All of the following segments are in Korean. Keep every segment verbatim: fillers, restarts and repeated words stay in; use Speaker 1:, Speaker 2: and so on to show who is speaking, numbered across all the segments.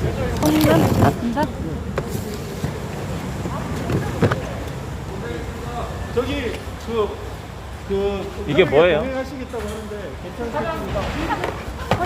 Speaker 1: 송이가 맞습니다.
Speaker 2: 저기 그, 그
Speaker 3: 이게 뭐예요?
Speaker 2: 하시겠다고 하는데 괜찮으십니까?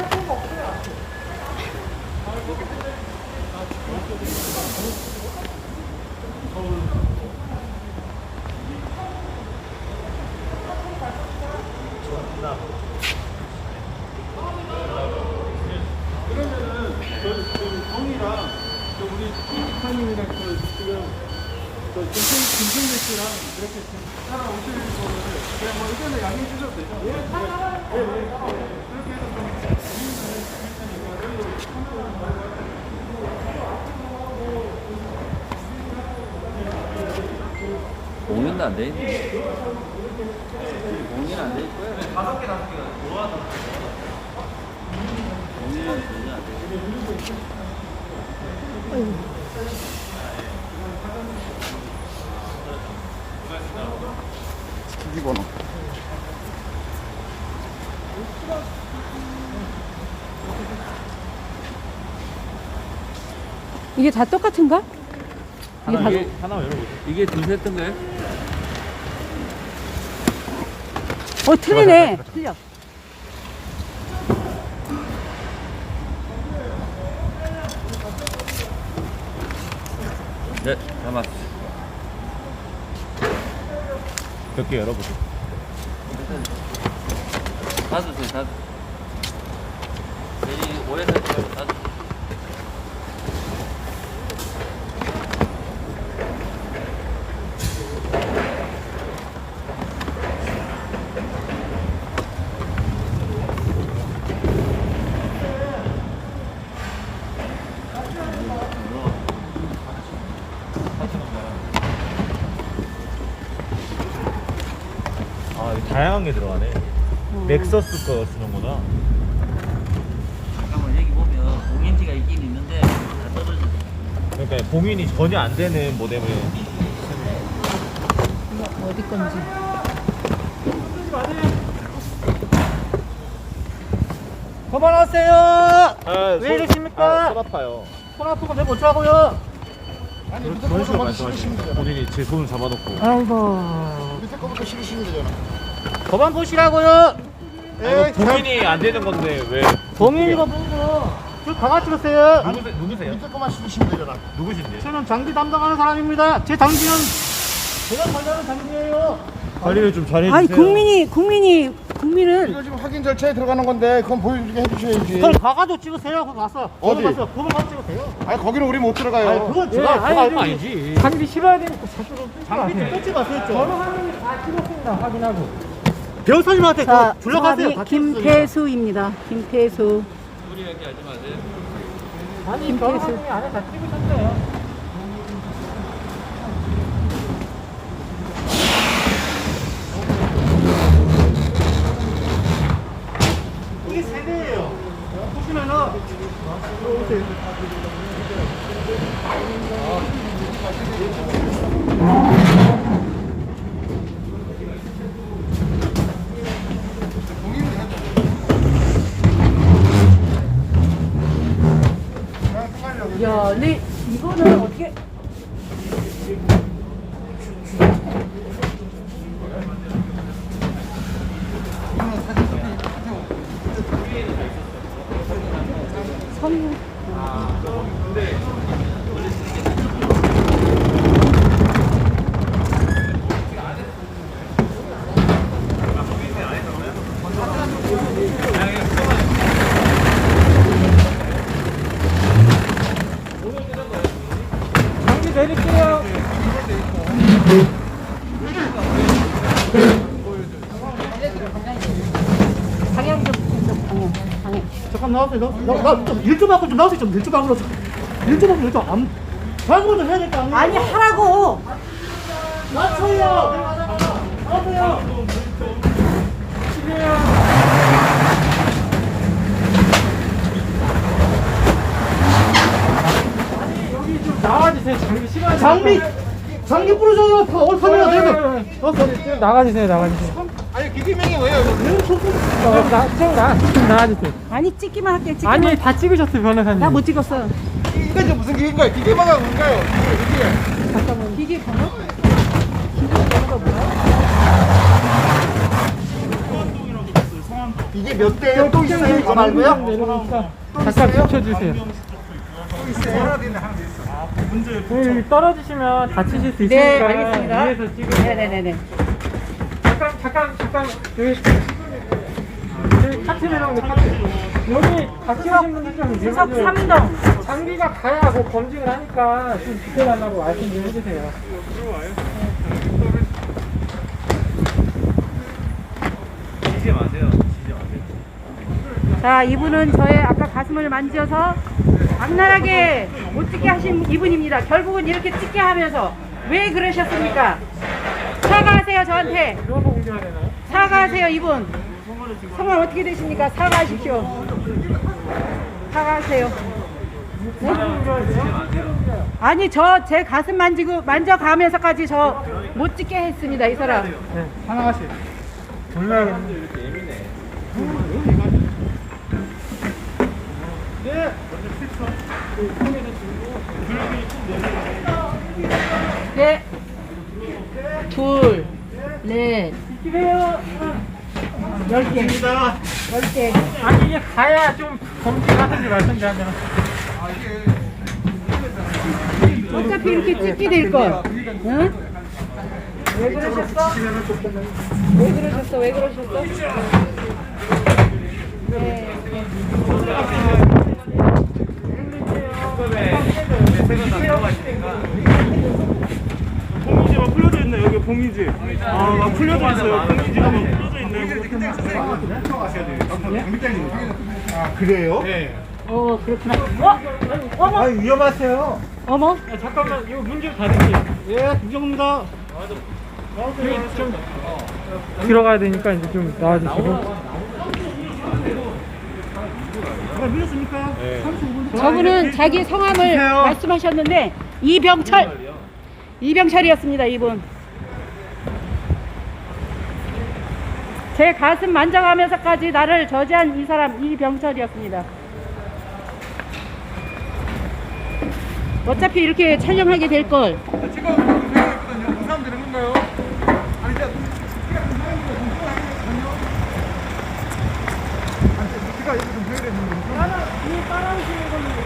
Speaker 2: 그러면은 저, 저 동이랑 저 우리 이사님이랑 그 지금 저 김승 김승민 씨랑 이렇게 지금 따라오실 거를 그냥 뭐 의견을 양해해 주셔도 되죠? 예, 예, 예, 예. 그렇게 해서 좀 고민을 할 테니까 여기로 참여하는 거예요.
Speaker 4: 공인도 안 돼 있네. 공인 안 돼 있고요.
Speaker 2: 다섯 개 다섯 개가 모아서
Speaker 4: 공인은 전혀 안 돼 있고.
Speaker 5: 기기번호.
Speaker 1: 이게 다 똑같은가? 이게
Speaker 3: 하나,
Speaker 1: 다
Speaker 3: 이게, 하나 열어보세요.
Speaker 4: 이게 두세 뜬가요?
Speaker 1: 어, 틀리네. 틀려.
Speaker 4: 네, 담았어.
Speaker 3: 몇 개 열어보세요.
Speaker 4: 닫으세요, 닫으세요. 여기 오해 살지 말고 닫으세요.
Speaker 3: 아, 이거 다양한 게 들어가네. 넥서스 거 쓰는구나.
Speaker 4: 잠깐만, 여기 보면 공인지가 있긴 있는데 다 떨어져.
Speaker 3: 그러니까 봉인이 전혀 안 되는 모뎀을.
Speaker 1: 이거 어디 건지.
Speaker 2: 그만하세요!
Speaker 3: 아,
Speaker 2: 왜 이러십니까?
Speaker 3: 아, 손 아파요.
Speaker 2: 손 아프고 내가 못 자고요.
Speaker 5: 아니 밑에
Speaker 3: 그런 식으로
Speaker 5: 거부터 실으시면
Speaker 3: 말씀하시면
Speaker 5: 되잖아.
Speaker 3: 본인이 제 손을 잡아놓고.
Speaker 1: 아이고.
Speaker 5: 밑에 거부터 실으시면 되잖아.
Speaker 2: 그만 보시라고요!
Speaker 3: 아니, 봉인이 안 되는 건데 왜?
Speaker 2: 동인이가 뭐고? 저 강아 찍으세요.
Speaker 3: 누구세, 누구세요?
Speaker 5: 밑에 거만 실으시면 되잖아.
Speaker 3: 누구신데?
Speaker 2: 저는 장비 담당하는 사람입니다. 제 장비는 제가 관리하는 장비예요.
Speaker 3: 관리를 좀 잘해주세요.
Speaker 1: 아니, 국민이, 국민이, 국민은
Speaker 5: 이거 지금 확인 절차에 들어가는 건데 그건 보여주게 해주셔야지.
Speaker 2: 그럼 가가도 찍으세요. 거기 가서.
Speaker 5: 어디?
Speaker 2: 거기 가서 그거 가서 찍으세요.
Speaker 5: 아니 거기는 우리 못 들어가요.
Speaker 2: 아니 그건 제가
Speaker 3: 예,
Speaker 2: 제가
Speaker 3: 아니,
Speaker 2: 알고 아니지.
Speaker 3: 장비 실어야 되니까
Speaker 2: 장비 좀 찍었어요. 저는 확인 다 찍었습니다. 확인하고. 배우사님한테
Speaker 1: 자,
Speaker 2: 그거 줄러가세요.
Speaker 1: 사람이 김태수입니다. 김태수.
Speaker 4: 우리 얘기 하지 마세요.
Speaker 2: 아니 변호사님이 안에 다 찍으셨어요. 이게 세대예요. 보시면은 오세요.
Speaker 1: 야, 근데 이거는 어떻게. 선.
Speaker 2: 장비 내릴게요.
Speaker 1: 방향 좀, 좀 방향, 방향.
Speaker 2: 잠깐 나와세요. 나좀 좀 하고 좀 나와세요. 좀 일 좀 하고 일좀 하고 일좀 안. 방금 좀 해야 될 거 아니에요?
Speaker 1: 아니, 하라고!
Speaker 2: 맞춰요. 나와세요. 아니 여기 좀 나와주세요. 장비 싫어하지. 장비 장비 부러져요. 다 얼판이라 되면. 나가주세요. 나가주세요. 아니
Speaker 5: 비빔면이 왜요?
Speaker 6: 어, 나, 좀 나, 좀 나와주세요.
Speaker 1: 아니 찍기만 할게. 찍기만.
Speaker 6: 아니, 다 찍으셨어요, 변호사님.
Speaker 1: 나 못 찍었어.
Speaker 5: 이게 이제 무슨 기계인가요? 기계마가 뭔가요? 이게
Speaker 1: 잠깐만. 기계 번호? 기계 번호가 뭐야?
Speaker 5: 이게 몇 대요? 또 있어요? 이거 말고요?
Speaker 6: 내려오니까 잠깐 비춰주세요. 여기 떨어지시면 다치실 수 있으니까
Speaker 1: 네, 알겠습니다.
Speaker 6: 위에서 찍으세요.
Speaker 1: 네네네네.
Speaker 6: 잠깐, 잠깐, 잠깐. 여기, 여기 카트 내려오는데 카트. 여기 다치신 분들 좀
Speaker 1: 수석
Speaker 6: 위험해요.
Speaker 1: 삼 동.
Speaker 6: 장비가 가야 뭐 검증을 하니까 좀 지켜달라고 말씀 좀 해주세요.
Speaker 3: 지지 마세요. 지지 마세요.
Speaker 1: 자, 이분은 저의 아까 가슴을 만져서 악랄하게 못 찍게 하신 이분입니다. 결국은 이렇게 찍게 하면서 왜 그러셨습니까? 사과하세요, 저한테.
Speaker 6: 이거 공개해야 되나요?
Speaker 1: 사과하세요, 이분. 성함 어떻게 되십니까? 사과하십시오. 사과하세요. 네? 아니, 저 제 가슴 만지고 만져가면서까지 저 못 찍게 했습니다, 이 사람.
Speaker 6: 네, 하나씩. 올라가겠네.
Speaker 1: 네. 둘, 넷,
Speaker 6: 찍으세요.
Speaker 1: 열 개. 열 개.
Speaker 6: 아니, 이게 가야 좀 검증하든지 말든지 하면.
Speaker 1: 어차피 이렇게 찍게 될 걸. 응? 왜 그러셨어? 왜 그러셨어? 왜 그러셨어? 네.
Speaker 2: 봉이지 막 풀려져 있네. 여기 봉이지. 아, 막 풀려져 있어요. 봉이지가 막 풀려져 있네.
Speaker 5: 아 그래요?
Speaker 1: 어, 그렇구나. 어? 어머?
Speaker 5: 위험하세요.
Speaker 1: 어머?
Speaker 6: 야, 잠깐만, 이거 문 좀 닫을게요.
Speaker 2: 예, 이정입니다.
Speaker 6: 여기 좀 들어가야 되니까 이제 좀 나와주시고.
Speaker 2: 밀렸습니까?
Speaker 1: 저분은 자기 성함을 말씀하셨는데 이병철. 이병철이었습니다, 이분. 제 가슴 만져가면서까지 나를 저지한 이 사람 이병철이었습니다. 어차피 이렇게 촬영하게 될 걸.
Speaker 5: 지금 되거든요. 무사하면 되는 건가요? 아니 이제 제가 여기 좀 해야 되는 건가?
Speaker 6: 이 빨간색